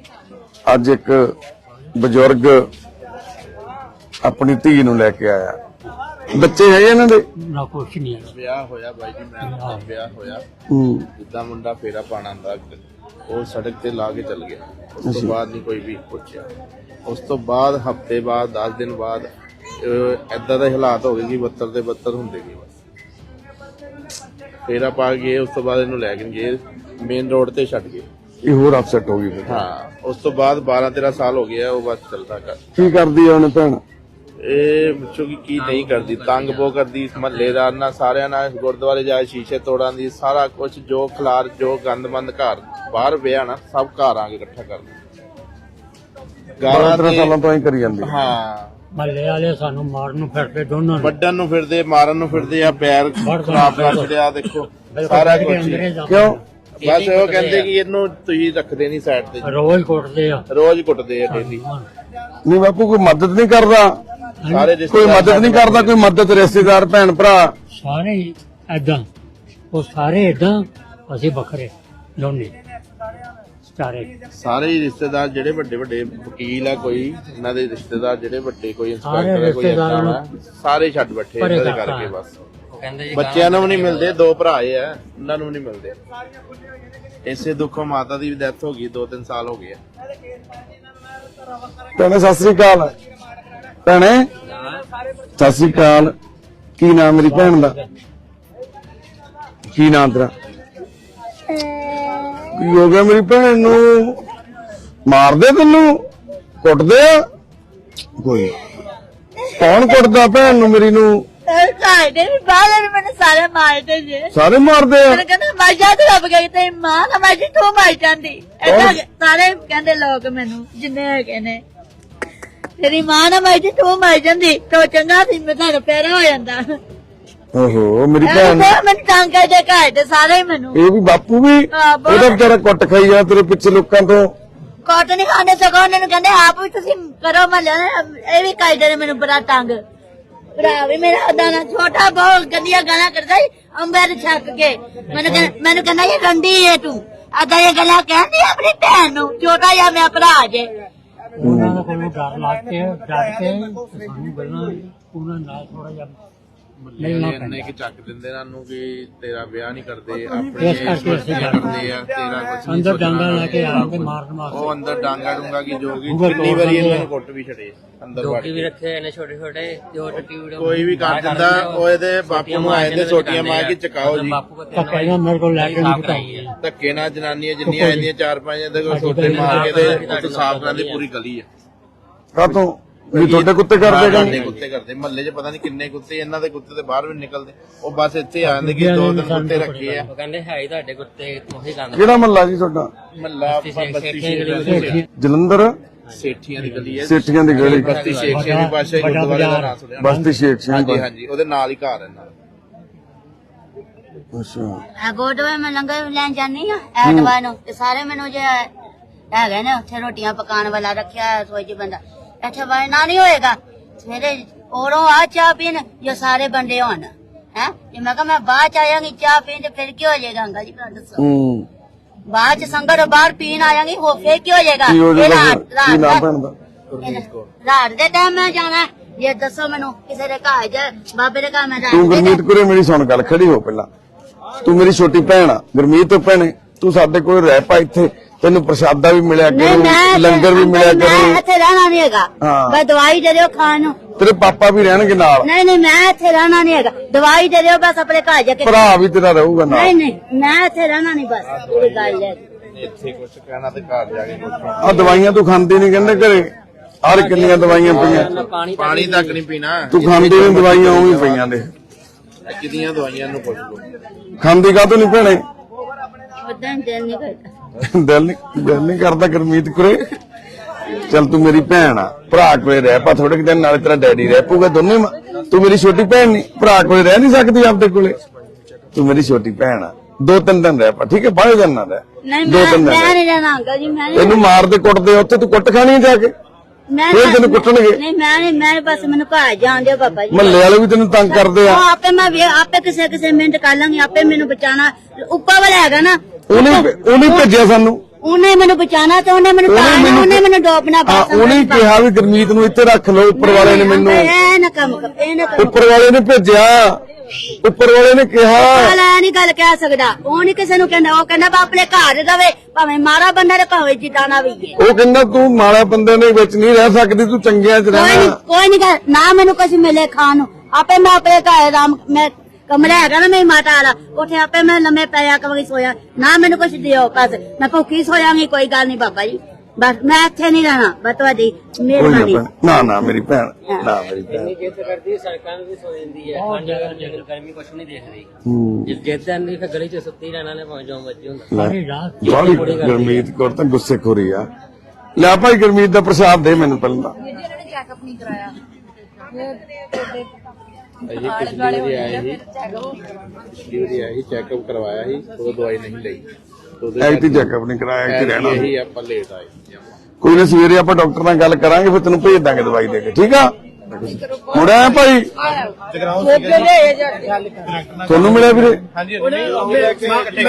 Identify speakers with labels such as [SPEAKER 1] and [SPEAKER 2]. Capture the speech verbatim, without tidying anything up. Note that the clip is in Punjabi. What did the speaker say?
[SPEAKER 1] ਅੱਜ ਇੱਕ ਬਜ਼ੁਰਗ ਆਪਣੀ ਧੀ ਨੂੰ ਲੈ ਕੇ ਆਇਆ। ਬੱਚੇ ਹੈਗੇ ਇਹਨਾਂ ਦੇ?
[SPEAKER 2] ਨਾ ਕੁਛ ਨਹੀਂ ਹੈ।
[SPEAKER 3] ਵਿਆਹ ਹੋਇਆ ਬਾਈ ਜੀ, ਮੈਂ ਵਿਆਹ ਹੋਇਆ
[SPEAKER 1] ਹੂੰ
[SPEAKER 3] ਜਿੱਦਾਂ ਮੁੰਡਾ ਫੇਰਾ ਪਾਣਾ ਹੁੰਦਾ ਉਹ ਸੜਕ ਤੇ ਲਾ ਕੇ ਚੱਲ ਗਿਆ। ਉਸ ਤੋਂ ਬਾਅਦ ਨਹੀਂ ਕੋਈ ਵੀ ਪੁੱਛਿਆ। ਉਸ ਤੋਂ ਬਾਅਦ ਹਫਤੇ ਬਾਅਦ ਦਸ ਦਿਨ ਬਾਅਦ ਏਦਾਂ ਦੇ ਹਾਲਾਤ ਹੋ ਗਏ ਕਿ ਬੱਤਰ ਦੇ ਬੱਤਰ ਹੁੰਦੇ ਗਏ। ਬਸ ਫੇਰਾ ਪਾ ਗਏ। ਉਸ ਤੋਂ ਬਾਅਦ ਇਹਨੂੰ ਲੈ ਕੇ ਗਏ ਮੇਨ ਰੋਡ ਤੇ ਛੱਡ ਗਏ।
[SPEAKER 1] ਇਹ ਹੋਰ ਅਪਸੈਟ ਹੋ ਗਈ ਫਿਰ।
[SPEAKER 3] ਹਾਂ ਉਸ ਤੋਂ ਬਾਅਦ ਬਾਰਾਂ ਤੇਰਾਂ ਸਾਲ ਹੋ ਗਿਆ ਉਹ ਬਸ ਚੱਲਦਾ ਕਰ।
[SPEAKER 1] ਕੀ ਕਰਦੀ ਆ ਉਹਨੇ ਭੈਣ?
[SPEAKER 3] ਇਹ ਪੁੱਛੋ ਕਿ ਕੀ ਨਹੀਂ ਕਰਦੀ, ਤੰਗ ਬਹੁਤ ਕਰਦੀ ਮਹੱਲੇਦਾਰ ਨਾਲ, ਸਾਰਿਆਂ ਨਾਲ ਗੁਰਦੁਆਰੇ ਜਾ ਸ਼ੀਸ਼ੇ ਤੋੜਾਂ ਦੀ, ਸਾਰਾ ਕੁਝ ਜੋ ਖਲਾਰ ਜੋ ਗੰਦਮੰਦ ਘਰ ਬਾਹਰ ਪਿਆ ਨਾ ਸਭ ਘਰ ਆ ਕੇ ਇਕੱਠਾ ਕਰਦੀ।
[SPEAKER 1] ਬਾਰਾਂ ਤੇਰਾਂ ਸਾਲਾਂ ਤੋਂ ਹੀ ਕਰੀ ਜਾਂਦੀ।
[SPEAKER 3] ਹਾਂ
[SPEAKER 2] ਮਹੱਲੇ ਵਾਲੇ ਸਾਨੂੰ ਮਾਰਨ ਨੂੰ ਫਿਰਦੇ, ਦੋਨੋਂ ਨੂੰ
[SPEAKER 3] ਵੱਢਣ ਨੂੰ ਫਿਰਦੇ, ਮਾਰਨ ਨੂੰ ਫਿਰਦੇ ਆ, ਪੈਰ ਖਰਾਬ ਕਰ ਛੜਿਆ ਦੇਖੋ ਸਾਰਾ ਕੁਝ।
[SPEAKER 1] ਕਿਉਂ?
[SPEAKER 3] ਬਸ ਉਹ ਕਹਿੰਦੇ ਕਿ ਇਹਨੂੰ ਤੁਸੀਂ ਰੱਖਦੇ ਨਹੀਂ ਸਾਈਡ ਤੇ,
[SPEAKER 2] ਰੋਜ਼ ਕੁੱਟਦੇ ਆ,
[SPEAKER 3] ਰੋਜ਼ ਕੁੱਟਦੇ ਆ ਡੇਲੀ।
[SPEAKER 1] ਨਹੀਂ ਬਾਪੂ ਕੋਈ ਮਦਦ ਨਹੀਂ ਕਰਦਾ?
[SPEAKER 3] ਸਾਰੇ
[SPEAKER 1] ਕੋਈ ਮਦਦ ਨਹੀਂ ਕਰਦਾ? ਕੋਈ ਮਦਦ ਰਿਸ਼ਤੇਦਾਰ ਭੈਣ ਭਰਾ
[SPEAKER 2] ਸਾਰੇ ਏਦਾਂ, ਉਹ ਸਾਰੇ ਏਦਾਂ, ਅਸੀਂ ਵੱਖਰੇ ਦੋਨੇ ਸਾਰੇ।
[SPEAKER 3] ਸਾਰੇ ਹੀ ਰਿਸ਼ਤੇਦਾਰ ਜਿਹੜੇ ਵੱਡੇ ਵੱਡੇ ਵਕੀਲ ਆ, ਕੋਈ ਇਹਨਾਂ ਦੇ ਰਿਸ਼ਤੇਦਾਰ ਜਿਹੜੇ ਵੱਡੇ ਕੋਈ
[SPEAKER 2] ਸਾਰੇ
[SPEAKER 3] ਇੰਸਪੈਕਟਰ ਕੋਈ
[SPEAKER 2] ਰਿਸ਼ਤੇਦਾਰਾਂ
[SPEAKER 3] ਏਦਾਂ ਵਾ, ਸਾਰੇ ਛੱਡ ਬੈਠੇ
[SPEAKER 2] ਪਰੇ
[SPEAKER 3] ਇਹਦੇ
[SPEAKER 2] ਕਰਤਾ।
[SPEAKER 3] ਕਰਕੇ। ਬਸ ਬੱਚਿਆਂ ਨੂੰ ਵੀ ਨਹੀਂ ਮਿਲਦੇ, ਦੋ ਭਰਾ ਆ ਉਹਨਾਂ ਨੂੰ ਵੀ ਨਹੀਂ ਮਿਲਦੇ। ਇਸੇ ਦੁੱਖੋਂ ਮਾਤਾ ਦੀ ਵੀ ਡੈਥ ਹੋ ਗਈ, ਦੋ ਤਿੰਨ ਸਾਲ ਹੋ ਗਏ ਆ।
[SPEAKER 1] ਭੈਣੇ ਸਤਿ ਸ੍ਰੀ ਅਕਾਲ। ਭੈਣੇ ਸਤਿ ਸ੍ਰੀ ਅਕਾਲ। ਕੀ ਨਾਮ ਮੇਰੀ ਭੈਣ ਦਾ? ਕੀ ਨਾਮ ਤੇਰਾ? ਕੀ ਹੋ ਗਿਆ ਮੇਰੀ ਭੈਣ ਨੂੰ? ਮਾਰਦੇ ਤੈਨੂੰ? ਕੁੱਟਦੇ ਆ? ਕੋਈ ਕੌਣ ਕੁੱਟਦਾ ਭੈਣ ਨੂੰ ਮੇਰੀ ਨੂੰ?
[SPEAKER 4] ਸਾਡੇ ਵੀ ਬਾਹਰ ਮੈਨੂੰ ਸਾਰੇ ਮਾਰਦੇ ਜੇ।
[SPEAKER 1] ਸਾਰੇ ਮਾਰਦੇ ਆ?
[SPEAKER 4] ਮੈਨੂੰ ਕਹਿੰਦਾ ਮਾਜਾ ਤੇ ਲੱਭ ਗਈ ਤੇ ਮਾਂ ਨਾ ਮਾਜੀ ਤੂੰ ਮਾਰ ਜਾਂਦੀ। ਏਦਾਂ ਸਾਰੇ ਕਹਿੰਦੇ ਲੋਕ ਮੈਨੂੰ ਜਿੰਨੇ ਹੈਗੇ ਨੇ, ਤੇਰੀ ਮਾਂ ਨਾ ਮਾਜੀ ਤੂੰ ਮਾਰ ਜਾਂਦੀ ਤੋ ਚੰਗਾ ਸੀ ਮੈਂ ਤਾਂ ਪੈਰਾ ਹੋ ਜਾਂਦਾ।
[SPEAKER 1] ਓਹੋ ਮੇਰੀ ਭੈਣ
[SPEAKER 4] ਮੈਨੂੰ ਤੰਗ ਕਰਦੇ ਘਰ ਦੇ ਸਾਰੇ ਮੈਨੂੰ।
[SPEAKER 1] ਇਹ ਵੀ ਬਾਪੂ ਵੀ ਉਹਦਾ ਵਿਚਾਰਾ ਕੁੱਟ ਖਾਈ ਜਾ ਤੇਰੇ ਪਿੱਛੇ ਲੋਕਾਂ ਤੋਂ।
[SPEAKER 4] ਕੋਟ ਨਹੀਂ ਖਾਣੇ ਸਗੋਂ ਉਹਨਾਂ ਨੂੰ ਕਹਿੰਦੇ ਆਪ ਵੀ ਤੁਸੀਂ ਕਰੋ ਮਹੱਲੇ ਇਹ ਵੀ ਕਰਦੇ ਨੇ ਮੈਨੂੰ ਬੜਾ ਤੰਗ। ਭਰਾ ਵੀ ਮੇਰਾ ਦਾਣਾ ਛੋਟਾ ਬਹੁਤ ਗੰਦੀਆਂ ਗਾਲਾਂ ਕਰਦਾ ਸੀ ਅੰਬਰ ਛੱਕ ਕੇ। ਮੈਨੂੰ ਮੈਨੂੰ ਕਹਿੰਦਾ ਇਹ ਰੰਡੀ ਏ ਤੂੰ, ਅਦਾ ਇਹ ਗੱਲਾਂ ਕਹਿੰਦੀ ਆਪਣੀ ਭੈਣ ਨੂੰ, ਛੋਟਾ ਜਿਹਾ ਮੇਰਾ ਭਰਾ ਜੇ।
[SPEAKER 2] ਉਹਨਾਂ ਨੂੰ ਕੋਈ ਡਰ ਲੱਗ ਕੇ ਡਰ ਕੇ ਸਾਨੂੰ ਗੱਲਾਂ ਉਹਨਾਂ ਨਾਲ ਥੋੜਾ ਜਿਹਾ
[SPEAKER 3] ਇੰਨੇ ਕਿ ਚੱਕ ਦਿੰਦੇ ਇਹਨਾਂ ਨੂੰ ਕਿ ਤੇਰਾ ਵਿਆਹ ਨਹੀਂ ਕਰਦੇ, ਆਪਣੇ ਕਰਦੇ ਆ, ਤੇਰਾ ਕੁਝ ਨਹੀਂ
[SPEAKER 2] ਅੰਦਰ ਡਾਂਗਾ ਲੈ ਕੇ ਆ ਕੇ ਮਾਰਨ ਵਾਸਤੇ।
[SPEAKER 3] ਉਹ ਅੰਦਰ ਡਾਂਗਾ ਡੂੰਗਾ ਕਿ ਜੋ ਕਿ ਕਿੰਨੀ ਵਾਰੀ ਇਹਨਾਂ ਨੂੰ ਕੁੱਟ ਵੀ ਛੜੇ ਅੰਦਰ ਵੜ
[SPEAKER 5] ਵੀ ਰੱਖੇ ਨੇ ਛੋਟੇ ਛੋਟੇ, ਜੋ ਟਿਊਡ
[SPEAKER 3] ਕੋਈ ਵੀ ਕਰ ਦਿੰਦਾ। ਉਹ ਇਹਦੇ ਬਾਪੂ ਨੂੰ ਆਏ ਤੇ ਸੋਟੀਆਂ ਮਾਰ ਕੇ ਚਕਾਓ ਜੀ।
[SPEAKER 2] ਧੱਕੇ ਮੇਰੇ ਕੋਲ ਲੈ ਕੇ ਨਹੀਂ ਬਿਠਾਈ।
[SPEAKER 3] ਧੱਕੇ ਨਾਲ ਜਨਾਨੀਆਂ ਜਿੰਨੀਆਂ ਆਉਂਦੀਆਂ ਚਾਰ ਪੰਜ ਇਹਦੇ ਕੋਲ ਸੋਟੇ ਮਾਰ ਕੇ ਤੇ ਉੱਥੇ ਸਾਫ਼ ਕਰਨ ਦੀ ਪੂਰੀ ਗਲੀ ਆ।
[SPEAKER 1] ਕਾਹਤੋਂ ਵੀ ਤੁਹਾਡੇ ਕੁੱਤੇ ਕਰਦੇ
[SPEAKER 3] ਕਰਦੇ ਕੁੱਤੇ ਕਰਦੇ ਮਹੱਲੇ 'ਚ ਪਤਾ ਨਹੀਂ ਕਿੰਨੇ ਕੁੱਤੇ, ਇਹਨਾਂ ਦੇ ਕੁੱਤੇ ਤੇ ਬਾਹਰ ਵੀ ਨਿਕਲਦੇ। ਉਹ ਬਸ ਇੱਥੇ ਆ ਜਾਂਦੇ ਕਿ ਦੋ ਤਿੰਨ ਕੁੱਤੇ ਰੱਖੇ ਆ।
[SPEAKER 5] ਉਹ ਕਹਿੰਦੇ ਹੈ ਹੀ ਤੁਹਾਡੇ ਕੁੱਤੇ ਉਹੀ ਗੰਦ।
[SPEAKER 1] ਕਿਹੜਾ ਮਹੱਲਾ ਜੀ ਤੁਹਾਡਾ?
[SPEAKER 3] ਮਹੱਲਾ ਬਸਤੀ ਸ਼ੇਖ
[SPEAKER 1] ਜਲੰਧਰ
[SPEAKER 3] ਸੇਠੀਆਂ ਦੀ ਗਲੀ ਹੈ।
[SPEAKER 1] ਸੇਠੀਆਂ ਦੀ ਗਲੀ,
[SPEAKER 3] ਬਸਤੀ ਸ਼ੇਖ ਸਿੰਘ ਦੀ ਬਾਦਸ਼ਾਹੀ ਗੁਰਦੁਆਰੇ ਦਾ ਨਾਮ ਸੁਣਿਆ?
[SPEAKER 1] ਬਸਤੀ ਸ਼ੇਖ ਸਿੰਘ।
[SPEAKER 3] ਹਾਂਜੀ ਹਾਂਜੀ ਉਹਦੇ ਨਾਲ ਹੀ ਘਰ ਹੈ ਨਾਲ।
[SPEAKER 1] ਅੱਛਾ
[SPEAKER 4] ਗੋਡਵੇ ਮੈਂ ਲੰਗਰ ਲੈਣ ਜਾਨੀ ਆ ਐਤਵਾਰ ਨੂੰ ਤੇ ਸਾਰੇ ਮੈਨੂੰ ਜੇ ਹੈਗੇ ਨੇ ਉੱਥੇ ਰੋਟੀਆਂ ਪਕਾਉਣ ਵਾਲਾ ਰੱਖਿਆ ਰਸੋਈ 'ਚ ਬੰਦਾ, ਇੱਥੇ ਵੜਨਾ ਨਹੀਂ ਹੋਏਗਾ। ਸਵੇਰੇ ਔਰੋਂ ਆ ਚਾਹ ਪੀਣ ਜੋ ਸਾਰੇ ਬੰਦੇ ਹੋਣ ਹੈ। ਜੇ ਮੈਂ ਕਿਹਾ ਮੈਂ ਬਾਅਦ ਚ ਆਇਆਂਗੀ ਚਾਹ ਪੀਣ ਤੇ ਫਿਰ ਕੀ ਹੋ ਜਾਏਗਾ? ਅੰਗਾ ਜੀ ਤੁਹਾਨੂੰ ਦੱਸੋ।
[SPEAKER 1] ਹੂੰ
[SPEAKER 4] ਬਾਅਦ ਚ ਸੰਗਤ ਬਾਹਰ ਪੀਣ ਆਇਆਂਗੀ ਉਹ ਫਿਰ ਕੀ ਹੋ ਜਾਏਗਾ?
[SPEAKER 1] ਕੀ ਹੋ ਜਾਏਗਾ?
[SPEAKER 4] ਰਾਤ
[SPEAKER 1] ਕੀ ਨਾਮ ਭੈਣ ਦਾ?
[SPEAKER 4] ਰਾਤ ਦੇ ਟਾਈਮ ਮੈਂ ਜਾਣਾ। ਜੇ ਦੱਸੋ ਮੈਨੂੰ ਕਿਸੇ ਦੇ ਘਰ ਜਾ ਬਾਬੇ ਦੇ ਘਰ ਮੈਂ
[SPEAKER 1] ਤੂੰ
[SPEAKER 4] ਰਾਤ
[SPEAKER 1] ਗੁਰਮੀਤ ਕੁਰੇ ਮੇਰੀ ਸੁਣ ਗੱਲ, ਖੜੀ ਹੋ ਪਹਿਲਾਂ। ਤੂੰ ਮੇਰੀ ਛੋਟੀ ਭੈਣ ਆ ਗੁਰਮੀਤ ਭੈਣੇ, ਤੂੰ ਸਾਡੇ ਕੋਲ ਰਹਿ ਪਾ ਇੱਥੇ, ਤੈਨੂੰ ਪ੍ਰਸ਼ਾਦਾ ਵੀ ਮਿਲਿਆ ਕਰੂ, ਲੰਗਰ ਵੀ ਮਿਲਿਆ
[SPEAKER 4] ਮੈਂ
[SPEAKER 1] ਕਰੂ।
[SPEAKER 4] ਇੱਥੇ ਰਹਿਣਾ ਨਹੀਂ ਹੈਗਾ, ਬਸ ਦਵਾਈ ਦੇ ਦਿਓ ਖਾਣ ਨੂੰ।
[SPEAKER 1] ਤੇਰੇ ਪਾਪਾ ਵੀ ਰਹਿਣਗੇ ਨਾਲ।
[SPEAKER 4] ਨਹੀਂ ਨਹੀਂ ਮੈਂ ਇੱਥੇ ਰਹਿਣਾ ਨਹੀਂ ਹੈਗਾ, ਦਵਾਈ ਦੇ ਦਿਓ ਬਸ ਆਪਣੇ ਘਰ ਜਾ ਕੇ।
[SPEAKER 1] ਭਰਾ ਵੀ ਤੇਰਾ ਰਹੂਗਾ ਨਾਲ।
[SPEAKER 4] ਨਹੀਂ ਨਹੀਂ ਮੈਂ ਇੱਥੇ ਰਹਿਣਾ ਨਹੀਂ, ਬਸ ਪੂਰੀ ਗੱਲ ਹੈ।
[SPEAKER 3] ਇੱਥੇ ਕੁਝ ਕਹਿਣਾ ਤੇ ਘਰ ਜਾ ਕੇ ਕੁਝ
[SPEAKER 1] ਆ ਦਵਾਈਆਂ ਤੂੰ ਖਾਂਦੀ ਨਹੀਂ ਕਹਿੰਦੇ ਘਰੇ, ਹਰ ਕਿੰਨੀਆਂ ਦਵਾਈਆਂ ਪਈਆਂ।
[SPEAKER 3] ਪਾਣੀ ਤੱਕ ਨਹੀਂ ਪੀਣਾ
[SPEAKER 1] ਤੂੰ ਖਾਂਦੀ ਨਹੀਂ ਦਵਾਈਆਂ, ਉਵੇਂ ਪਈਆਂ ਨੇ।
[SPEAKER 3] ਕਿੰਨੀਆਂ ਦਵਾਈਆਂ ਨੂੰ ਪੁੱਛ ਲੋ।
[SPEAKER 1] ਖਾਂਦੀ ਕਾਹਤੋਂ ਨਹੀਂ ਭੈਣੇ?
[SPEAKER 4] ਉਦਾਂ ਦਿਲ ਨਹੀਂ ਕਰਦਾ।
[SPEAKER 1] ਦਿਲ ਨਹੀਂ ਦਿਲ ਨਹੀਂ ਕਰਦਾ ਗੁਰਮੀਤ ਕੁਰੇ। ਚੱਲ ਤੂੰ ਮੇਰੀ ਭੈਣ ਆ, ਭਰਾ ਕੋਲੇ ਰਹਿ ਪਾ ਥੋੜੇ ਦਿਨ, ਨਾਲੇ ਤੇਰਾ ਡੈਡੀ ਰਹਿ ਪਊਗਾ ਦੋਨੇ। ਤੂੰ ਮੇਰੀ ਛੋਟੀ ਭੈਣ ਨਹੀਂ, ਭਰਾ ਕੋਲੇ ਰਹਿ ਨਹੀਂ ਸਕਦੀ ਆਪਦੇ ਕੋਲੇ? ਤੂੰ ਮੇਰੀ ਛੋਟੀ ਭੈਣ ਆ, ਦੋ ਤਿੰਨ ਦਿਨ ਰਹਿ ਪਾ, ਠੀਕ ਹੈ? ਬਾਹਰ ਦਿਨ ਨਾ ਰਹਿ,
[SPEAKER 4] ਨਹੀਂ
[SPEAKER 1] ਦੋ
[SPEAKER 4] ਮੈਂ
[SPEAKER 1] ਤਿੰਨ
[SPEAKER 4] ਮੈਂ
[SPEAKER 1] ਦਿਨ।
[SPEAKER 4] ਨਹੀਂ ਰਹਿਣਾ ਅੰਕਲ ਜੀ, ਮੈਂ
[SPEAKER 1] ਇਹਨੂੰ ਮਾਰਦੇ ਕੁੱਟਦੇ ਉੱਥੇ, ਤੂੰ ਕੁੱਟ ਖਾਣੀ ਜਾ ਕੇ,
[SPEAKER 4] ਮੈਂ
[SPEAKER 1] ਫਿਰ ਤੈਨੂੰ ਕੁੱਟਣਗੇ।
[SPEAKER 4] ਨਹੀਂ ਮੈਂ ਨਹੀਂ, ਮੈਂ ਬਸ ਮੈਨੂੰ ਘਰ ਜਾਣ ਦਿਓ ਬਾਬਾ ਜੀ।
[SPEAKER 1] ਮਹੱਲੇ ਵਾਲੇ ਵੀ ਤੈਨੂੰ ਤੰਗ ਕਰਦੇ ਆ।
[SPEAKER 4] ਉਹ ਆਪੇ ਮੈਂ ਵੇ- ਆਪੇ ਕਿਸੇ ਕਿਸੇ ਮਿੰਟ ਕਰ ਲਾਂਗੀ, ਆਪੇ ਮੈਨੂੰ ਬਚਾਣਾ। ਉੱਪਰ ਵਾਲਾ ਹੈਗਾ ਨਾ,
[SPEAKER 1] ਉਹਨੇ ਉਹਨੇ ਭੇਜਿਆ ਸਾਨੂੰ,
[SPEAKER 4] ਉਹਨੇ ਮੈਨੂੰ ਬਚਾਣਾ ਤੇ ਉਹਨੇ ਮੈਨੂੰ
[SPEAKER 1] ਉਹਨੇ
[SPEAKER 4] ਤਾਰਨਾ,
[SPEAKER 1] ਮੈਨੂੰ-
[SPEAKER 4] ਉਹਨੇ ਮੈਨੂੰ ਡੋਬਣਾ
[SPEAKER 1] ਹਾਂ
[SPEAKER 4] ਬਸ
[SPEAKER 1] ਉਹਨੇ ਹੀ ਕਿਹਾ ਵੀ ਗੁਰਮੀਤ ਨੂੰ ਇੱਥੇ ਰੱਖ ਲਓ, ਉੱਪਰ ਵਾਲੇ ਨੇ ਮੈਨੂੰ
[SPEAKER 4] ਇਹ ਨਾ ਕੰਮ ਕਰ ਇਹ ਨਾ ਕੰਮ
[SPEAKER 1] ਉੱਪਰ ਵਾਲੇ ਨੇ ਭੇਜਿਆ, ਉੱਪਰ ਵਾਲੇ ਨੇ ਕਿਹਾ।
[SPEAKER 4] ਵਾਲਾ ਨਹੀਂ ਗੱਲ ਕਹਿ ਸਕਦਾ, ਉਹ ਨਹੀਂ ਕਿਸੇ ਨੂੰ ਕਹਿੰਦਾ, ਉਹ ਕਹਿੰਦਾ ਬਾ ਆਪਣੇ ਘਰ ਰਵੇ, ਭਾਵੇਂ ਮਾਰਾ ਬੰਦਾ ਤੇ ਭਾਵੇਂ ਜਿੱਦਾਂ ਵੀ ਹੈ।
[SPEAKER 1] ਉਹ ਕਹਿੰਦਾ ਤੂੰ ਮਾੜਾ ਬੰਦੇ ਦੇ ਵਿੱਚ ਨਹੀਂ ਰਹਿ ਸਕਦੀ, ਤੂੰ ਚੰਗਿਆਂ 'ਚ
[SPEAKER 4] ਕੋਈ ਨਹੀਂ
[SPEAKER 1] ਰਹਿਣਾ।
[SPEAKER 4] ਕੋਈ ਨਹੀਂ ਨਾ ਮੈਨੂੰ ਕੁਝ ਮਿਲੇ ਖਾਣ ਨੂੰ, ਆਪੇ ਮੈਂ ਆਪਣੇ ਘਰ ਰਾਮ ਮੈਂ ਕਮਰਾ ਹੈਗਾ ਨਾ ਮੇਰੀ ਮਾਤਾ ਵਾਲਾ, ਉੱਥੇ ਆਪੇ ਮੈਂ ਲੰਮੇ ਪਿਆ ਕਵਾਂਗੀ ਸੋਇਆ, ਨਾ ਮੈਨੂੰ ਕੁਝ ਦਿਓ ਬਸ ਮੈਂ ਭੁੱਖੀ ਸੋਇਆਂਗੀ, ਕੋਈ ਗੱਲ ਨਹੀਂ ਬਾਬਾ ਜੀ, ਬਸ ਮੈਂ ਇੱਥੇ ਨਹੀਂ ਰਹਿਣਾ, ਬਸ ਤੁਹਾਡੀ
[SPEAKER 1] ਕੋਈ ਨਾ
[SPEAKER 4] ਮਿਹਰਬਾਨੀ।
[SPEAKER 1] ਭੈਣ, ਨਾ ਨਾ ਮੇਰੀ ਭੈਣ, ਨਾ ਮੇਰੀ ਭੈਣ।
[SPEAKER 5] ਇੰਨੀ ਜਿੱਦ ਕਰਦੀ ਸੜਕਾਂ ਨੂੰ ਵੀ ਸੋ ਜਾਂਦੀ ਹੈ, ਠੰਡ ਜਗਰ ਗਰਮੀ ਕੁਛ ਨਹੀਂ ਦੇਖਦੀ।
[SPEAKER 1] ਹੂੰ
[SPEAKER 5] ਜੇ ਜਿੱਦ ਨਹੀਂ ਫਿਰ ਗਲੀ 'ਚ ਸੁੱਤੀ ਰਹਿਣਾ ਨੇ ਭਾਵੇਂ ਜੋ ਮਰਜ਼ੀ ਹੁੰਦਾ।
[SPEAKER 2] ਸਾਰੀ ਰਾਤ
[SPEAKER 1] ਬਾਲੀ ਗੁਰਮੀਤ ਕੌਰ ਤਾਂ ਗੁੱਸੇ ਖੋਰੀ ਆ। ਲੈ ਭਾਈ ਗੁਰਮੀਤ ਦਾ ਪ੍ਰਸ਼ਾਦ ਦੇ ਮੈਨੂੰ ਪਹਿਲਾਂ।
[SPEAKER 3] ਅਜੇ ਪਿਛਲੀ ਵਾਰੀ ਆਏ ਸੀ ਪਿਛਲੀ ਵਾਰੀ ਆਏ ਸੀ ਚੈੱਕਅਪ ਕਰਵਾਇਆ ਸੀ, ਉਹ ਦਵਾਈ ਨਹੀਂ ਲਈ।
[SPEAKER 1] ਐਕਟੀ ਚੈੱਕਅਪ ਨਹੀਂ ਕਰਾਇਆ, ਇੱਥੇ ਰਹਿਣਾ।
[SPEAKER 3] ਇਹੀ ਆਪਾਂ ਲੇਟ ਆਏ।
[SPEAKER 1] ਕੋਈ ਨਾ ਸਵੇਰੇ ਆਪਾਂ ਡਾਕਟਰ ਨਾਲ ਗੱਲ ਕਰਾਂਗੇ, ਫਿਰ ਤੈਨੂੰ ਭੇਜ ਦਾਂਗੇ ਦਵਾਈ ਦੇ ਕੇ, ਠੀਕ ਆ। ਮੁੜਿਆ ਭਾਈ ਤੁਹਾਨੂੰ ਮਿਲਿਆ ਵੀਰੇ?